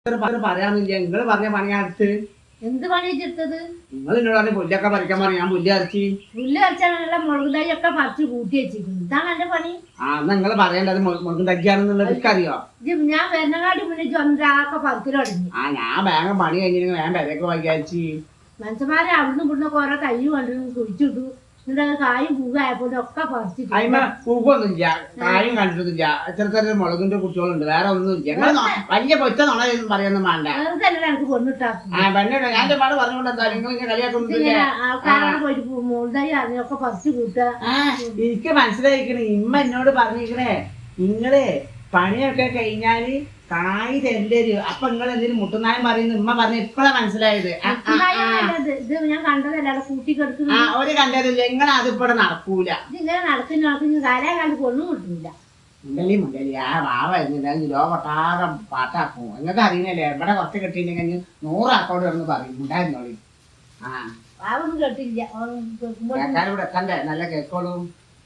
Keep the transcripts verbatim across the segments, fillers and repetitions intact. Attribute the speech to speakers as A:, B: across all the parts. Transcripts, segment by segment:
A: പറയാന്നില്ല. നിങ്ങള് പറഞ്ഞ പണി അടുത്ത്
B: എന്ത് പണി വെച്ചെടുത്തത്?
A: നിങ്ങൾ എന്നോട് പറഞ്ഞ പുല്ലൊക്കെ പറിക്കാൻ പറഞ്ഞു. ഞാൻ പുല്ല് അരച്ചി
B: പുല്ല് അരച്ചാണല്ല മുളക് തൈ ഒക്കെ പറിച്ച് കൂട്ടി വെച്ചിരിക്കുന്നു. ഇതാണ് എന്റെ പണി.
A: ആ എന്നാ നിങ്ങള് പറയേണ്ടത് മുളകും തയ്യാണെന്നുള്ളത് എനിക്കറിയോ.
B: ഞാൻ വരുന്നകാട്ടി മുന്നേ ചൊന്താക്കെ പറിക്കൽ തുടങ്ങി.
A: ആ ഞാൻ വേഗം പണി കഴിഞ്ഞിട്ട് വേഗം പെരയൊക്കെ വൈകാരിച്ച്
B: മനുഷ്യന്മാരെ അവിടുന്ന് ഇവിടുന്ന് ഓരോ തൈ കണ്ടു കുഴിച്ചിട്ടു. എന്നിട്ട് കായും പൂവായപ്പോ ഒക്കെ പറിച്ചിട്ടു.
A: അതിമ പൂക്കൊന്നുമില്ല, കായും കണ്ടിട്ടൊന്നുമില്ല. എത്ര ചെറിയ മുളകിന്റെ കുട്ടികളുണ്ട്, വേറെ ഒന്നുമില്ല. വലിയ പൊറ്റ നുണ പറയാനൊന്നും വേണ്ട.
B: എനിക്ക് പൊണ്ണിട്ടാക്കും.
A: ആ പെണ്ണ ഞാൻ പാട് പറഞ്ഞുകൊണ്ട് എന്താ നിങ്ങൾ ഇങ്ങനെ കളിയാക്കുന്നില്ല.
B: ആൾക്കാരോട് പോയിട്ട് മുളക് തൈ അറിഞ്ഞൊക്കെ പറിച്ചു കൂട്ടുക.
A: എനിക്ക് മനസ്സിലായിക്കണേ. ഇമ്മ എന്നോട് പറഞ്ഞിരിക്കണേ, നിങ്ങള് പണിയൊക്കെ കഴിഞ്ഞാല് കായ് തരണ്ടരു. അപ്പൊ നിങ്ങൾ എന്തെങ്കിലും മുട്ടുനായം പറയുന്നു ഉമ്മ പറഞ്ഞ ഇപ്പഴാ മനസ്സിലായത്.
B: ഞാൻ കണ്ടതല്ല കൂട്ടിക്കെടുക്കുന്നു.
A: ആ ഒരു കണ്ടതില്ല. നിങ്ങൾ അതിപ്പോടെ നടക്കൂല.
B: ഇങ്ങനെ നടക്കുന്ന നടക്കുന്ന കാലേ കാലത്ത് പൊണ്ണും കിട്ടൂല.
A: മുണ്ടലി മുണ്ടലി ആ വാവ കിലോ കൊട്ടാകം പാട്ടാക്കും. നിങ്ങൾക്ക് അറിയുന്നല്ലേ, ഇവിടെ കുറച്ച് കിട്ടിയില്ലെങ്കിൽ നൂറാക്കോട് കിടന്ന് പറയും ഉണ്ടായിരുന്നോളി. ആ
B: വാവൊന്നും കേട്ടില്ല.
A: കേൾക്കാനിവിടെ എത്തണ്ടേ, നല്ല കേക്കോളും.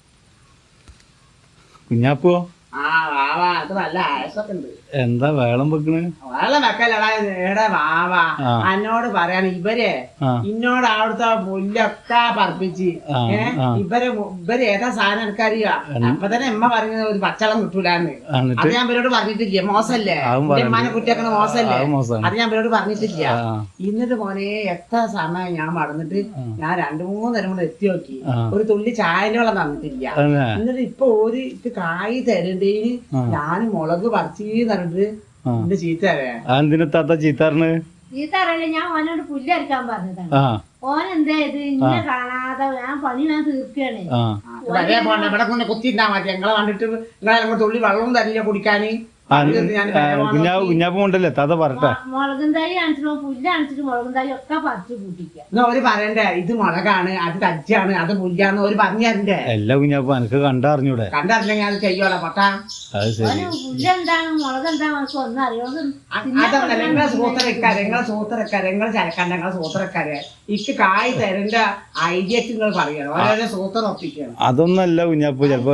C: കുഞ്ഞാപ്പോ
A: ആ വാവ അത് നല്ല ആയസൊക്കെ ഉണ്ട്.
C: എന്താ വേളം വെക്കണ്?
A: വെള്ളം വെക്കലടാ ഏടെ വാവ. എന്നോട് പറയാൻ ഇവരെ ഇന്നോട് അവിടുത്തെ പുല്ലൊക്കെ പറപ്പിച്ച് ഏഹ് ഇവര് ഇവര് ഏതാ സാധനം എടുക്കാറിയ. അപ്പൊ തന്നെ എമ്മ പറഞ്ഞത് ഒരു പച്ചവെള്ളം കിട്ടൂലെന്ന്. അത് ഞാൻ ഇവരോട് പറഞ്ഞിട്ടില്ല. മോശല്ലേ, എമ്മാനെ കുറ്റിയാക്കണ മോശല്ലേ. അത് ഞാൻ ഇവരോട് പറഞ്ഞിട്ടില്ല. എന്നിട്ട് മോനെ എത്ര സമയം ഞാൻ മടന്നിട്ട് ഞാൻ രണ്ടു മൂന്ന് നേരം കൂടെ എത്തി നോക്കി. ഒരു തുള്ളി ചായന്റെ വെള്ളം തന്നിട്ടില്ല. എന്നിട്ട് ഇപ്പൊ ഒരു കായ് തരണ്ടേന് ഞാൻ മുളക് പറിച്ചീന്ന് പറഞ്ഞിട്ട് എന്റെ ചീത്ത
C: എന്തിനാ ചീത്താറിന്?
B: ചീത്ത അറിയില്ല. ഞാൻ ഓനോട് പുല്ലരിക്കാൻ പറഞ്ഞതാണ്. ഓൻ എന്താ ഇത് ഇന്നെ കാണാതെ ഞാൻ പണി ഞാൻ തീർക്കുകയാണ്.
A: വരെ പോണ്ട, ഇവിടെ കൊണ്ട് കുത്തിണ്ടാ മതി. ഞങ്ങളെ കണ്ടിട്ട് നിങ്ങളെ തുള്ളി വെള്ളവും തരില്ല കുടിക്കാന്.
C: കുഞ്ഞാപ്പ് കൊണ്ടല്ലേ താത്ത പറട്ടെ.
B: മുളകും തൈ കാണിച്ചിട്ട് പുല്ല് കാണിച്ചിട്ട് മുളകും തൈ ഒക്കെ പറിച്ചു കൂട്ടിക്ക.
A: എന്നാ ഒരു പറയണ്ടേ, ഇത് മുളകാണ്, അത് തജ്ജാണ്, അത് പുല്ലാന്ന് ഒരു പറഞ്ഞു തരണ്ടേ.
C: എല്ലാ കുഞ്ഞാപ്പ എനിക്ക് കണ്ടറിഞ്ഞൂടെ?
A: കണ്ടറിഞ്ഞെങ്കിൽ അത് ചെയ്യോളാം പൊട്ടാ.
B: പുല്ല് എന്താണ് മുളക് എന്താണ് നമുക്ക് ഒന്നും അറിയാതെ.
A: അതല്ല നിങ്ങളെ സൂത്രക്കാരെ, നിങ്ങളെ സൂത്രക്കാരെ, നിങ്ങളെ ചരക്കണ്ട, നിങ്ങളെ സൂത്രക്കാരെ ഇക്ക് കായ് തരേണ്ട ഐഡിയക്ക് നിങ്ങൾ പറയണം. ഓരോ സൂത്രം ഒപ്പിക്കണം.
C: അതൊന്നല്ല കുഞ്ഞാപ്പ ചെലപ്പോ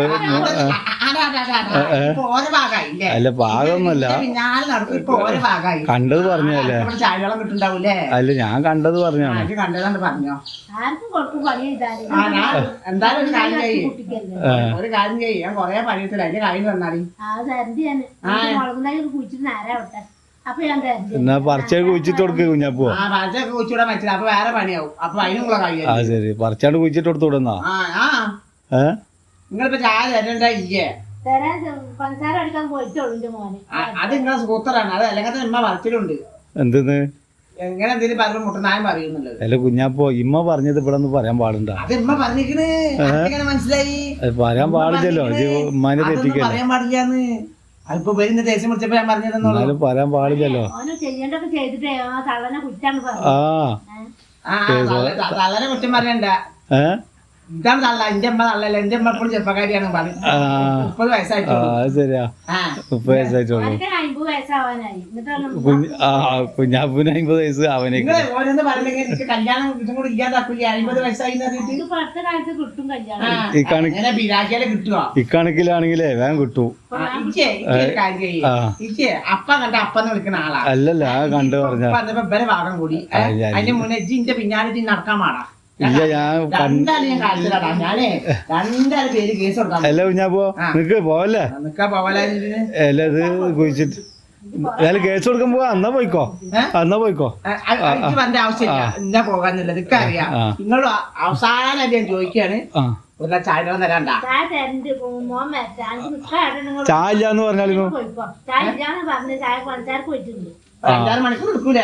A: ഓരോ ഭാഗമായില്ലേ?
C: അല്ല ഭാഗമൊന്നുമല്ല,
A: പിന്നാലെ നടക്കും. ഇപ്പൊ ഓരോ ഭാഗമായി.
C: കണ്ടത് പറഞ്ഞല്ലേ?
A: ചായവെള്ളം കിട്ടുണ്ടാവൂലേ?
C: അല്ല ഞാൻ കണ്ടത് പറഞ്ഞാണ്.
A: കണ്ടതാണ്ട് പറഞ്ഞോ.
B: ആർക്കും കൊടുക്കും പണി ചെയ്താല്.
A: എന്തായാലും ഒരു കാര്യം ചെയ്യും, ഒരു കാര്യം ചെയ്യും. ഞാൻ കൊറേ പണിയത്തില്ല, അതിന്റെ കാര്യം തന്നാടി.
B: മുളകും തൈ കുഴിച്ചിട്ട് നേരാവട്ടെ. അപ്പൊ ഞാൻ
C: എന്നാ പറിച്ചാട് കുഴിച്ചിട്ട് കൊടുക്ക കുഞ്ഞാപ്പോ.
A: ആ പറിച്ചൊക്കെ കുഴിച്ചിടാൻ പറ്റില്ല, അപ്പൊ വേറെ പണിയാവും. അപ്പൊ അതിനുള്ള കാര്യം.
C: ആ ശരി, പറിച്ചാട് കുഴിച്ചിട്ട് കൊടുത്തു വിടുന്നാ.
A: ആ ഏഹ് നിങ്ങളിപ്പോ ചായ തരണ്ട ഇല്ലേ?
B: പഞ്ചസാര അടിക്കാൻ പോയിട്ടുള്ളൂ മോനെ.
A: അത് നിങ്ങളെ സൂത്രാണ്. അത് അല്ലെങ്കിൽ ഇമ്മ പറിച്ചിലുണ്ട്.
C: എന്തെന്ന്
A: എങ്ങനെ എന്തെങ്കിലും പറഞ്ഞു മുട്ടനായം പറയുന്നുള്ളത്.
C: അല്ല കുഞ്ഞാപ്പോ ഇമ്മ പറഞ്ഞത് ഇവിടെ ഒന്ന് പറയാൻ പാടുണ്ടോ?
A: അത് ഇമ്മ പറഞ്ഞിരിക്കണ്, മനസ്സിലായി.
C: പറയാൻ പാടില്ലല്ലോ, ഉമ്മാനെ തെറ്റിക്കല്ലേ.
A: പറയാൻ പാടില്ലാന്ന് അതിപ്പോ വരുന്ന ദേശം പിടിച്ചപ്പോ ഞാൻ പറഞ്ഞതെന്നാലും
C: പറയാൻ പാടില്ലല്ലോ.
B: ചെയ്യേണ്ടൊക്കെ ചെയ്തിട്ടേ തള്ളനെ കുറ്റാണ്
C: ആ
A: തള്ളനെ കുറ്റം പറയണ്ട.
C: ഏഹ്
A: ഇതാണ് തള്ള. എന്റെ അമ്മ തള്ളല്ല, എന്റെ അമ്മ എപ്പോഴും ചെറുപ്പക്കാരിയാണ്. മുപ്പത് വയസ്സായിട്ടുള്ളൂ.
C: ശരിയാ, മുപ്പത് വയസ്സായിട്ടുള്ളൂ. കുഞ്ഞാപ്പൂന് അമ്പത് വയസ്സ് അവനെ
A: ഓരോന്ന് പറഞ്ഞെങ്കിൽ എനിക്ക് കല്യാണം ഇതും കൂടി ഇല്ലാതാക്കൂല. അമ്പത് വയസ്സായി കിട്ടുവോ?
C: ഇക്കണക്കിലാണെങ്കിലേ വേഗം കിട്ടൂ.
A: അപ്പ കണ്ട അപ്പന്ന് വിളിക്കുന്ന ആളാ.
C: അല്ലല്ല കണ്ടു പറഞ്ഞ
A: ഇവരെ ഭാഗം കൂടി അതിന്റെ മുന്നേ ഇന്റെ പിന്നാലെ നടക്കാൻ പാടാ.
C: ഇല്ല ഞാൻ അല്ല കുഞ്ഞാപ്പോ നിക്ക് പോവല്ലേ? അല്ല ഇത് കുഴിച്ചിട്ട് അല്ല കേസ് കൊടുക്കാൻ പോവാ. എന്നാ പോയിക്കോ, എന്നാ പോയിക്കോ.
A: ആവശ്യമില്ല പോകാന്നുള്ളത് അറിയാം. നിങ്ങൾ അവസാനം ഞാൻ ചോദിക്കാണ്, ഒരു ചായ തരാണ്ട.
C: ചായ ഇല്ലാന്ന് പറഞ്ഞാലും
A: അഞ്ചാറ് മണിക്കൂർ എടുക്കൂലേ?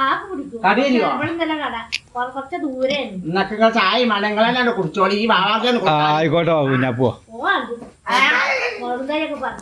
B: കുറച്ച് ദൂരെ
A: ചായ മലങ്ങളെല്ലാം കുടിച്ചോളി. ഈ വാവാക്കാൻ
C: ആയിക്കോട്ടെ കുഞ്ഞാപ്പോ.